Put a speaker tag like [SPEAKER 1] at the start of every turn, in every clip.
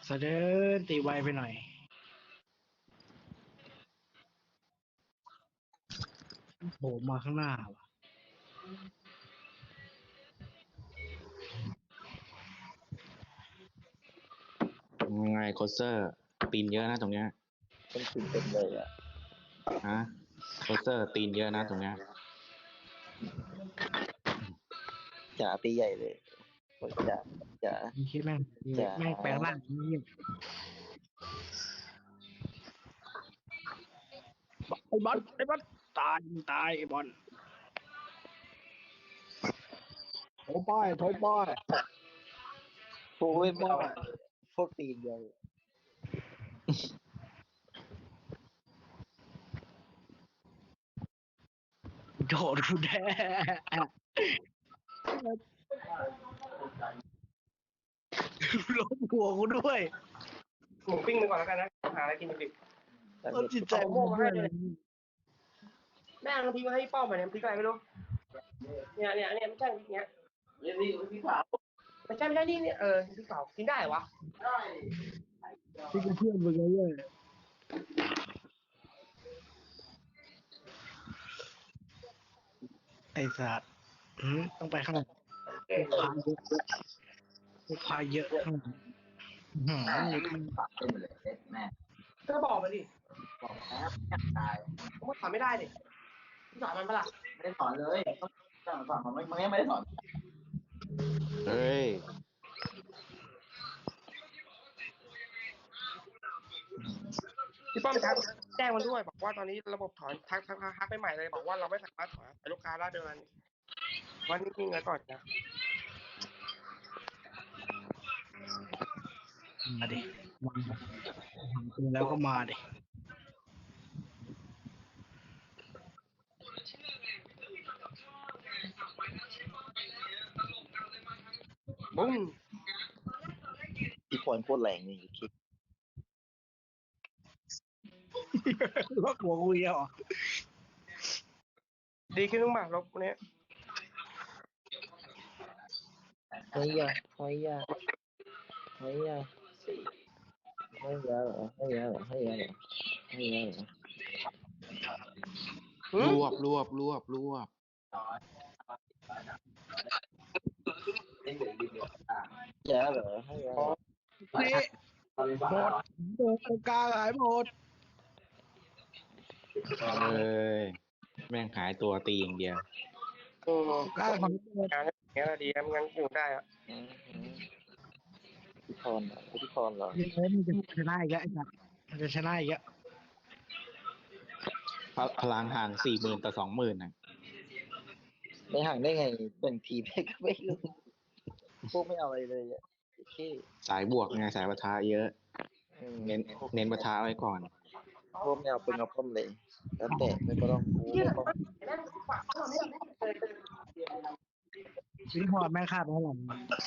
[SPEAKER 1] เสด็จตีไวไปหน่อยโผล่มาข้างหน้าว่ะ
[SPEAKER 2] ยังไงโคเซอร์ตีนเยอะนะตรงเนี้ย
[SPEAKER 3] เป็นสิ่งเต็มเลยอ่ะ
[SPEAKER 2] ฮะโคเซอร์ตีนเยอะนะตรงเนี้ย
[SPEAKER 3] จ๋าตีใหญ่เลยจ๋าจ๋า
[SPEAKER 1] มีคิดแม่ง
[SPEAKER 3] จ๋า
[SPEAKER 1] แม่งแปลงร่างนี่ไอ้บอลตายไอ้บอลโถป้าย
[SPEAKER 3] พวกไม่เอาพวกตีนใหญ่
[SPEAKER 1] โดดกูแด้ล้มหัวกูด้วย
[SPEAKER 4] หมูปิ้งไปก่อนแล้วกันนะหาอะไรกินดิบ
[SPEAKER 1] ต้นจิตใจมึงด้วยเลย
[SPEAKER 4] แม่งพริกมาให้ป้อมไปเนี่ยพริกอะไรไม่รู้เนี่ยไม่ใช่พริกเนี้ยนี่พริกเผาไม่ใช่นี่พริกเผากินได้วะได้
[SPEAKER 1] ที่กูเพื่อนมึงเลยไอ้สัตว์ต้องไปข้างหลังลูกค้าเยอะข้างหลัง
[SPEAKER 4] ก็บอกมาดิบอกแล้วอยากตายผมถอนไม่ได้ดิถอนมันปะล่ะไม่ได้ถอนเลยต้องถอนมันไม่ได้ถอน
[SPEAKER 2] เฮ้ย
[SPEAKER 4] พี่ป้อมครับแจ้งมันด้วยบอกว่าตอนนี้ระบบถอนทักไปใหม่เลยบอกว่าเราไม่สามารถถอนลูกค้าละเดือนวันนี้มีเงินก่อนนะ
[SPEAKER 1] มาดิมาแล้วก็มาดิ
[SPEAKER 4] บุ้ม
[SPEAKER 3] ที่พรโคตรแรงนี่คิด
[SPEAKER 1] ว่าหัวกูเยอะ
[SPEAKER 4] ดีขึ้นบ้างลบเนี้ย
[SPEAKER 3] เฮ้ยอะเฮ้ยอะเฮ้ยอะเฮ้ยอะเหรอเฮ้ยอะเหรอเฮ้ยอะเหรอเฮ้ยอะเหรอ
[SPEAKER 2] รวบจ๋าเหรอเฮ้ยอะเหรอ
[SPEAKER 1] เละหมดโดนกลางหายหมด
[SPEAKER 2] เอ้ยแม่งหายตัวตีอย่างเดียว
[SPEAKER 1] กลางของ
[SPEAKER 4] งานอย่างเงี้ยดีนะงั้นอยู่ได้อะ
[SPEAKER 3] ที่พรเหรอ
[SPEAKER 1] มันจะชนะอีกแล้วไอ้สัตว์มันจะชนะอีกแล้ว
[SPEAKER 2] พลังห่าง40,000 ต่อ 20,000น่ะ
[SPEAKER 3] ไม่ห่างได้ไงเป็นทีมก็ไม่รู้พวกไม่เอาอะไรเลยอ่ะที่
[SPEAKER 2] สายบวกไงสายปะทะเยอะเน้นปะทะไว้ก่อน
[SPEAKER 3] พวกไม่เอาเป็นเอาพ่มเลยแล้วแต่ไม่ต้องกูไม่ต้อง
[SPEAKER 1] ชิ้นพอแม่คาดเท่าไหร่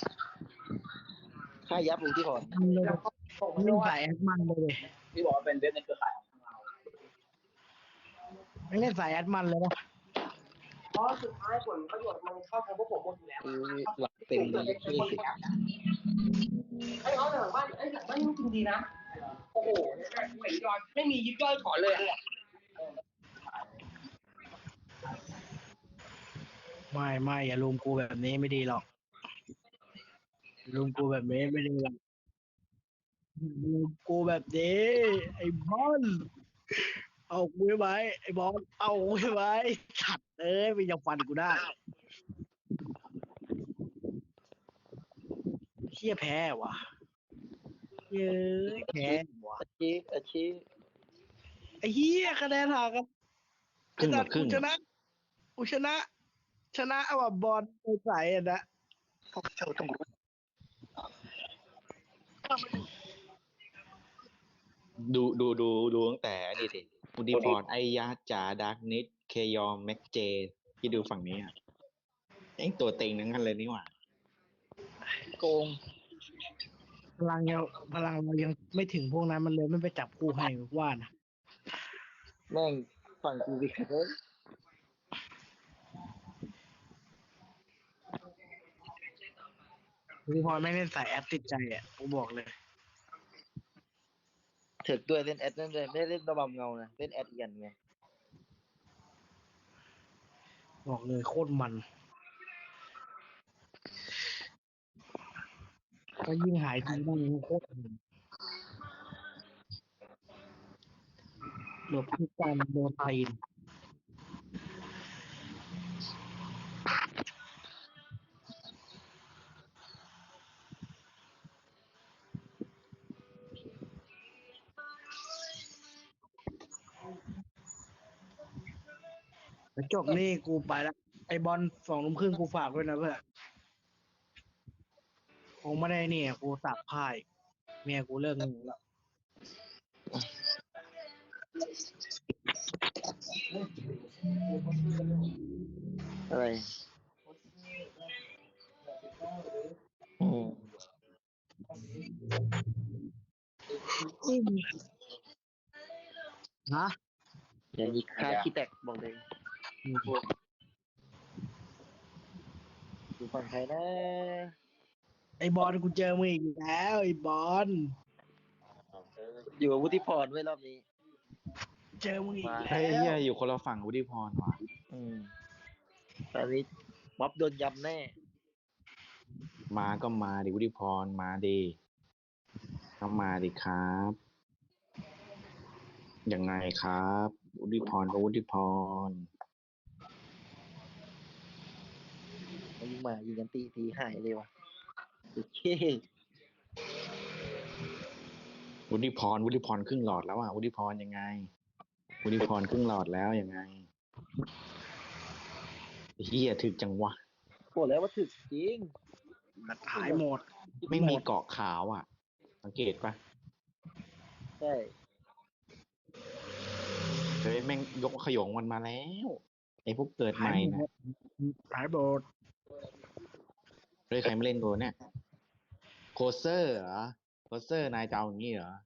[SPEAKER 3] ค่ายับรู้ที่พร
[SPEAKER 1] เลยไม่ใส่แอดมันเลย
[SPEAKER 4] ที่บอกว่าเป็นเว็บในเครือข่ายของเรา
[SPEAKER 1] ไม่เล่นสายแอดมันเลยนะ
[SPEAKER 4] เพราะสุดท้ายผลประโยชน์มันเข้าทางพวกผมหมดอยู่แล้ว
[SPEAKER 3] หลักเต็มเลยที่
[SPEAKER 4] ไอ้เขาหลังบ้านไอ้หลังบ้านนี่จริงดีนะโอ้โหไม่ยอดไม่มียิบย่อยถอนเลย
[SPEAKER 1] ไม่อย่าลุมกูแบบนี้ไม่ดีหรอกลุมกูแบบนี้ไม่ดีหรอกลุมกูแบบนี้ไอ้บอลเอากูไว้ไอ้บอลเอากูไว้ฉัดไม่ยังฟันกูได้เชี่ยแพ้ว่ะเย้ยแพ้ว่ะ
[SPEAKER 3] อาชีพ
[SPEAKER 1] ไอ้เหี้ยคะแนนห่างกัน
[SPEAKER 2] ครึ่งต่อครึ่ง
[SPEAKER 1] กูชนะเอาบอลไปใส่อ่ะนะ
[SPEAKER 3] พวกเจ้าต้องรู้
[SPEAKER 2] ดูตั้งแต่นี่สิอุดิฟอร์ดไอยาจ๋าดาร์กนิดเคยอมแม็กเจที่ดูฝั่งนี้อ่ะไอตัวเต็งทั้งนั้นเลยนี่หว่า
[SPEAKER 3] โกง
[SPEAKER 1] พลังเรายังไม่ถึงพวกนั้นมันเลยไม่ไปจับคู่ให้ว่านะ
[SPEAKER 3] แม่งฝั่งกูวิเคราะห์
[SPEAKER 1] พี่พรไม่เล่นสายแอปติดใจอ่ะกูบอกเลย
[SPEAKER 3] ถึกด้วยเล่นแอดนั่นเลยไม่ได้เล่นระบำเงานะเล่นแอดเอียนไง
[SPEAKER 1] บอกเลยโคตรมันก็ยิ่งหายทีนั่งโคตรมันหลบทุกการโดนตีนแล้วจบนี่กูไปละไอบอล2 ทุ่มครึ่งกูฝากด้วยนะเพื่อนคงไม่ได้เนี่ยกูสักพ่ายเมียกูเลิกงงแล้ว
[SPEAKER 3] อะไรอืม
[SPEAKER 1] ฮะ
[SPEAKER 3] อย่างนี้ค่าขี้แตกบอกเลยอยู่ฝั่งใครนะ
[SPEAKER 1] ไอบอลกูเจอมึงอีกแล้วไอบอล
[SPEAKER 3] อยู่กับวุฒิพรไว้รอบนี้
[SPEAKER 1] เจอมึงอีก
[SPEAKER 2] เฮ้ย
[SPEAKER 1] แล้
[SPEAKER 2] เฮียว อยู่คนละฝั่งวุฒิพรว่ะ
[SPEAKER 3] อืมตอนนี้ม็อบโดนยำแน่
[SPEAKER 2] มาก็มาดิวุฒิพรมาดิก็มาดิครับยังไงครับวุฒิพรก็วุฒิพร
[SPEAKER 3] มันยิงมายิงกันตีทีหายเลยว่ะโอเค
[SPEAKER 2] วุฒิพรครึ่งหลอดแล้วอ่ะวุฒิพรยังไงวุฒิพรครึ่งหลอดแล้วยังไงเฮียถึกจังวะ
[SPEAKER 3] บอกแล้วว่าถึกจริง
[SPEAKER 1] หายหมด
[SPEAKER 2] ไม่มีเกาะขาวอ่ะ สังเกตปะ
[SPEAKER 3] ใช่
[SPEAKER 2] เฮ้ยแม่งยกขยงมันมาแล้วไอ้พวกเกิดให
[SPEAKER 1] หาย
[SPEAKER 2] ม่
[SPEAKER 1] หม
[SPEAKER 2] นะ
[SPEAKER 1] ดหายหมด
[SPEAKER 2] เฮ้ยใครไม่เล่นตัวเนี่ยโคเซอร์เหรอโคเซอร์นายจะเอาอย่างนี้เหรอ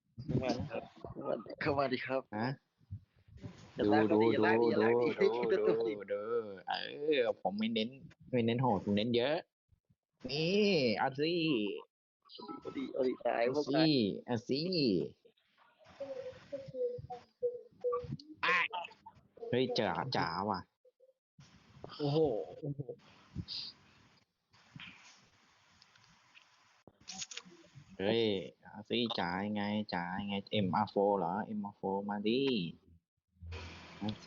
[SPEAKER 3] เข้ามาดิครับ
[SPEAKER 2] ฮะ
[SPEAKER 3] อย่า
[SPEAKER 2] ดู
[SPEAKER 3] ลาก
[SPEAKER 2] ดู
[SPEAKER 3] ดิอย่า
[SPEAKER 2] ดู
[SPEAKER 3] ลากดิอย่า
[SPEAKER 2] ดู
[SPEAKER 3] ลากดิ
[SPEAKER 2] ดู
[SPEAKER 3] คิด
[SPEAKER 2] ดู
[SPEAKER 3] ตัวดิ
[SPEAKER 2] ดูผมไม่เน้นโหดผมเน้นเยอะ นี่เอาสิ
[SPEAKER 3] เอาดิตาย
[SPEAKER 2] เอา
[SPEAKER 3] พวก
[SPEAKER 2] สิ
[SPEAKER 3] ตาย
[SPEAKER 2] เอาสิ
[SPEAKER 1] อ่ะ
[SPEAKER 2] เฮ้ยจ๋าว่ะ
[SPEAKER 1] โอ้โห
[SPEAKER 2] เฮ้ยเอาสิจ๋ายังไงMR4 เหรอ MR4 มาดิมาสิ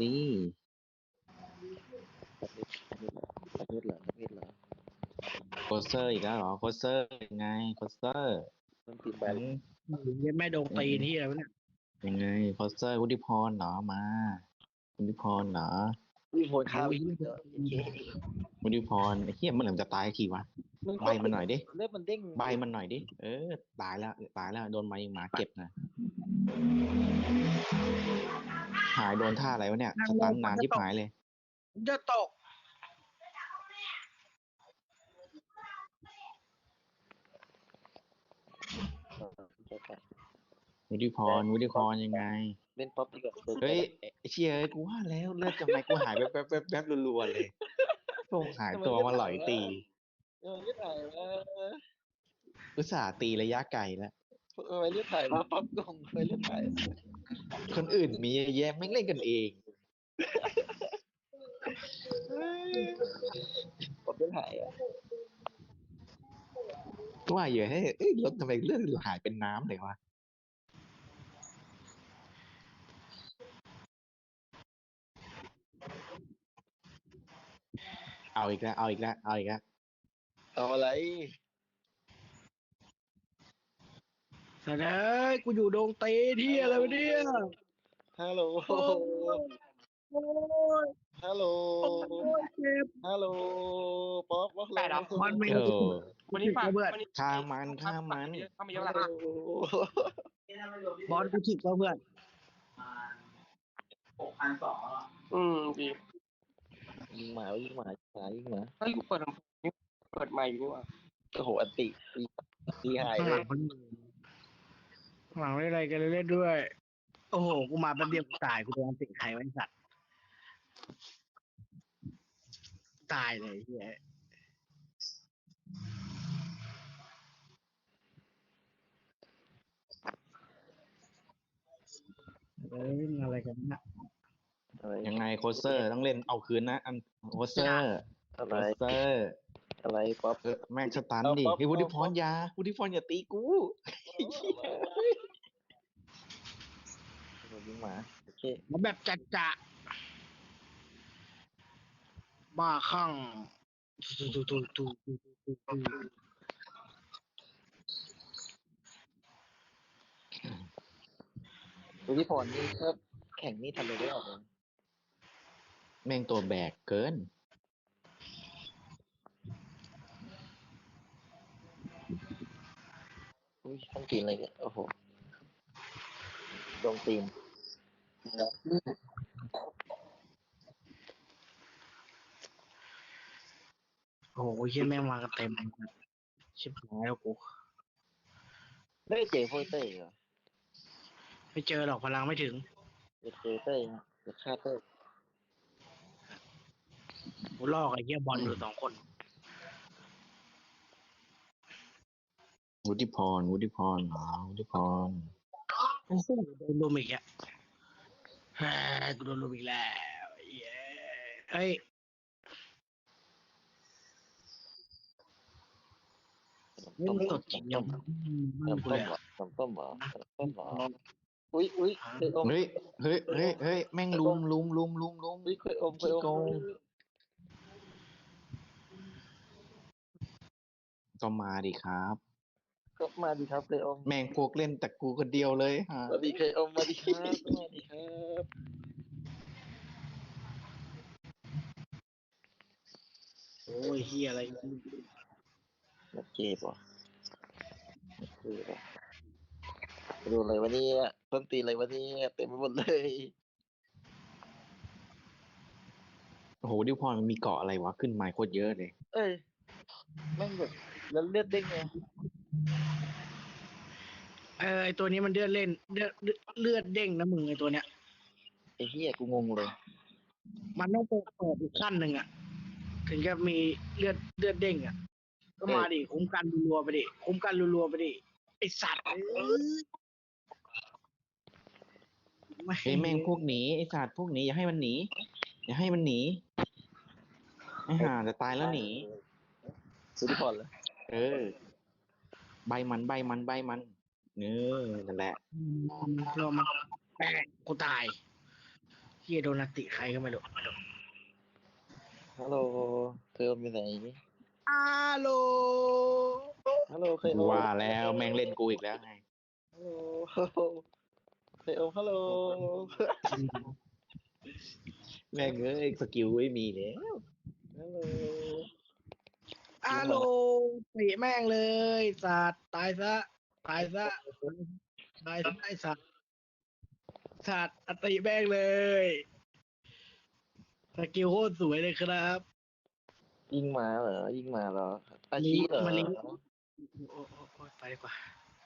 [SPEAKER 3] ประเภทเหรอประเภทเหรอ
[SPEAKER 2] โคเซอร์อีกแล้วเหรอโคเซอร์ยังไงโคเซอร์
[SPEAKER 3] มันตื่นไป
[SPEAKER 1] ยังไม่โดนตีนที่อะไรวะเนี่ย
[SPEAKER 2] ยังไงโคเซอร์วุฒิพรเหรอมาวุฒิพรเหรอ
[SPEAKER 3] วิ่งโหนข้าวอีกแล้วโอเค
[SPEAKER 2] วุฒิพรไอ้เหี้ยมันเหลือจะตายทีวะใบมันหน่อยดิ
[SPEAKER 3] เลือดมันเด้ง
[SPEAKER 2] ใบมันหน่อยดิตายแล้วโดนไม้หมาเก็บนะหายโดนท่าอะไรวะเนี่ยสตันนานที่หายเลย
[SPEAKER 1] จะตก
[SPEAKER 2] วุฒิพรยังไง
[SPEAKER 3] เล่นป๊อปดีกว่า
[SPEAKER 2] เฮ้ยไอ้เชี่ยเอ้ยกูว่าแล้วเลือดจะไม่กูหายแป๊บรัวๆเลยโงหายตัวมาหลอยตี
[SPEAKER 3] เลือดถ่ายมา
[SPEAKER 2] อุตส่าห์ตีระยะไกลแล้ว
[SPEAKER 3] เลือดถ่ายมาป๊อปกงเลือดถ่าย
[SPEAKER 2] คนอื่นมีเยอะแยะไม่งเล่นกันเอง
[SPEAKER 3] ป๊อปเลือดถ่ายอ่ะ
[SPEAKER 2] ก็ว่าอยู่ให้รถทำไมเลือดหายเป็นน้ำเลยวะเอาอีกแล้ว
[SPEAKER 3] เอาอะไร
[SPEAKER 1] แต่เอ้ยกูอยู่โดนตีนที่อะไรวะเนี่ย
[SPEAKER 3] ฮัลโหล
[SPEAKER 1] โอ้ย
[SPEAKER 3] ฮัลโหล
[SPEAKER 1] โอ้ยเจ็บ
[SPEAKER 3] ฮัลโหลป๊อปว่าอะไร
[SPEAKER 1] มันไม่
[SPEAKER 2] เออ
[SPEAKER 4] วันนี้ฝาก
[SPEAKER 1] เพื่อน
[SPEAKER 4] วันนี้
[SPEAKER 2] ฆ่ามัน
[SPEAKER 4] เข้ามาเยอะแล้ว
[SPEAKER 1] บอลกูฉิกแล้วเพื่อน
[SPEAKER 4] ดี
[SPEAKER 3] ยิงหมา
[SPEAKER 4] เฮ้ยกูเปิดลำโพงนี่เปิดไมค์อยู่นี่หว่า
[SPEAKER 3] โอ้โหอันติตีหาย
[SPEAKER 1] ข้าง
[SPEAKER 3] เล
[SPEAKER 1] หลั
[SPEAKER 3] ย
[SPEAKER 1] งมันข้างหลังไม่อะไรกันเล่นด้วย โอ้โห กูมาแป๊บเดียวกูตาย กูโดนติดใครไว้ไอ้สัตว์ ตายเลยเฮียอะไรกันนะ
[SPEAKER 3] อะไร
[SPEAKER 2] ยังไงโคชเซอร์ต้องเล่นเอาคืนนะอันโคชเซอร์
[SPEAKER 3] อะ
[SPEAKER 2] โค
[SPEAKER 3] ไร
[SPEAKER 2] ชเซอร์
[SPEAKER 3] อะไรป๊อป
[SPEAKER 2] แม่งสตัน
[SPEAKER 3] เอา
[SPEAKER 2] ดิ
[SPEAKER 3] ป๊อป
[SPEAKER 2] ให้วุฒิพ
[SPEAKER 3] เอาป๊อ
[SPEAKER 2] ร
[SPEAKER 3] ป
[SPEAKER 2] อย่าตีกู
[SPEAKER 3] ยิงหมาโอเค
[SPEAKER 1] มาแบบจัดจะบ้าคลั่งตู
[SPEAKER 3] วุฒิพรนี่ถ้าแข่งนี่ทำอะไรได้ออกเลย
[SPEAKER 2] แม่งตัวแบกเกิน
[SPEAKER 3] อุ้ยต้องตีนอะไรเนี่ยโอ้โหโดนตีน
[SPEAKER 1] โอ้โหเฮียแม่งมากันเต็มชิบหายแล้วกู
[SPEAKER 3] ไม่ได้เจอโฟเต้เหรอ
[SPEAKER 1] ไม่เจอหรอกพลังไม่ถึง
[SPEAKER 3] จะเจอเต้ฮะจะฆ่าเต้
[SPEAKER 1] กูลอกไอ้เฮียบอลอยู่2 คน
[SPEAKER 2] วุฒิพรวุฒิพร
[SPEAKER 1] โอ้โหโดนลุมอีกอ่ะเฮ้ยกูโดนลุมอีกแล้วเย้เฮ้ย เล่นสดจริงยัง
[SPEAKER 3] เริ่ม
[SPEAKER 1] กู
[SPEAKER 3] ต้
[SPEAKER 1] เล
[SPEAKER 3] ม
[SPEAKER 1] ย
[SPEAKER 3] เหรอเริ่มต้มเหรอเริ่มต้มเหรออุ้ยเคยอม
[SPEAKER 2] เฮ้ยแม่งลุม
[SPEAKER 3] อุ้ยเคยอม
[SPEAKER 2] ขี้โกง ก็มาดิครับ
[SPEAKER 3] ก็มาดีครับเคยอม
[SPEAKER 2] แม่งพวกเล่นแต่กูคนเดียวเลยฮะ
[SPEAKER 3] มาดีเคยอมมาดีครับมาดีครับ
[SPEAKER 1] โอ้ยเฮียอะไร
[SPEAKER 3] นักเก็บเหรอนักเก็บเหรอดูอะไรวะเนี่ยต้นตีอะไรวะเนี่ยเต็มไปหมดเลย
[SPEAKER 2] โอ้โหดิวพรมันมีเกาะอะไรวะขึ้นมาโคตรเยอะเลย
[SPEAKER 3] เอ้ยแม่งแบบแล้วเลือดเด้งไง
[SPEAKER 1] ไอตัวนี้มันเลือดเล่นเลือดเด้งนะมึงไอตัวเนี้ย
[SPEAKER 3] ไอ้เหี้ยกูงงเลย
[SPEAKER 1] มันต้องเปิดอีกขั้นหนึ่งอ่ะ ถึงจะมีเลือดเด้งอ่ะ ก็มาดิคุ้มกันรัวๆไปดิคุ้มกันรัวๆไปดิไอสัตว์
[SPEAKER 2] เฮ้ยแม่งพวกหนีไอ้สัตว์พวกหนีอย่าให้มันหนีไอ้ห่าจะตายแล้วหนี
[SPEAKER 3] สุดที่พอเลย
[SPEAKER 2] เออ ใบมันเนื้อนั่นแหละ
[SPEAKER 1] เรามันแปะกูตายเฮียโดนติใครก็ไม่รู้
[SPEAKER 3] ฮัลโหลเคยอมอยู่ไหน
[SPEAKER 1] ฮัลโหล
[SPEAKER 3] ฮัลโหลเคยอม
[SPEAKER 2] ว่าแล้วแม่งเล่นกูอีกแล้วไง
[SPEAKER 3] ฮัลโหลเคยอมฮัลโหล
[SPEAKER 2] แม่งเอ้ยสกิลไม่มีแล้ว
[SPEAKER 3] ฮัลโหล
[SPEAKER 1] ฮัลโหลเตะแม่งเลยสัตว์ตายซะไอสัตว์สัตว์อติแม่งเลยสกิลโคตรสวยเลยครับ
[SPEAKER 3] ยิงมาเหรออาชีพเหรอ
[SPEAKER 1] มาลิงโอ้ไปดีกว่า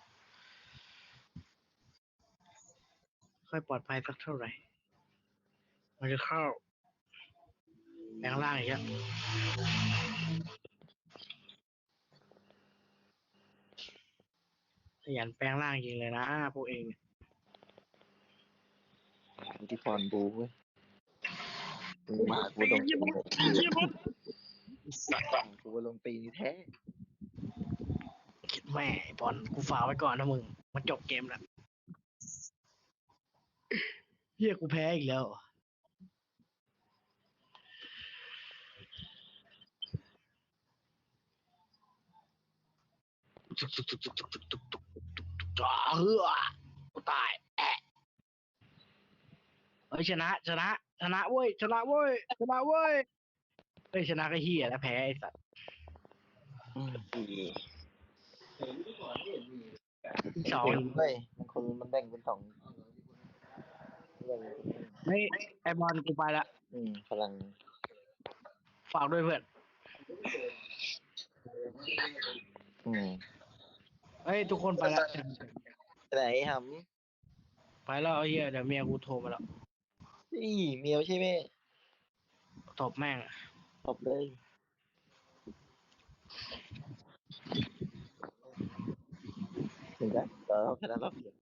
[SPEAKER 1] ค่อยปลอดภัยสักเท่าไหร่มันจะเข้าแปลงร่างอีกแล้วขยันแปลงร่างจริงเลยนะพวกเอง
[SPEAKER 3] วุฒิพรบูเว้ยมึงมากูโดนตีกูลงตีนี่แท้
[SPEAKER 1] คิดแม่ไอ้บอลกูฝากไว้ก่อนนะมึงมันจบเกมแล้วเฮียกูแพ้อีกแล้วเฮือกูตายเฮ้ยชนะเว้ยเฮ้ยชนะก็เฮียแล้วแพ้ไอ้สัตว์
[SPEAKER 3] อี
[SPEAKER 1] สอง
[SPEAKER 3] เฮ้ยมันแบ่งเป็นสองแบ่ง
[SPEAKER 1] ไม่ไอบอลกูไปละ
[SPEAKER 3] พลัง
[SPEAKER 1] ฝากด้วยเพื่อน เฮ้ยทุกคนไปละ
[SPEAKER 3] ไหนห
[SPEAKER 1] ไปแล้วไอ้เฮียเดี๋ยวเมียกูโทรมาแล้ว
[SPEAKER 3] ำนี่เมียวใช่ไหม
[SPEAKER 1] ตบแม่ง
[SPEAKER 3] ตบเลยถึงแล้วเราแค่นั้นเราเปลี่ยน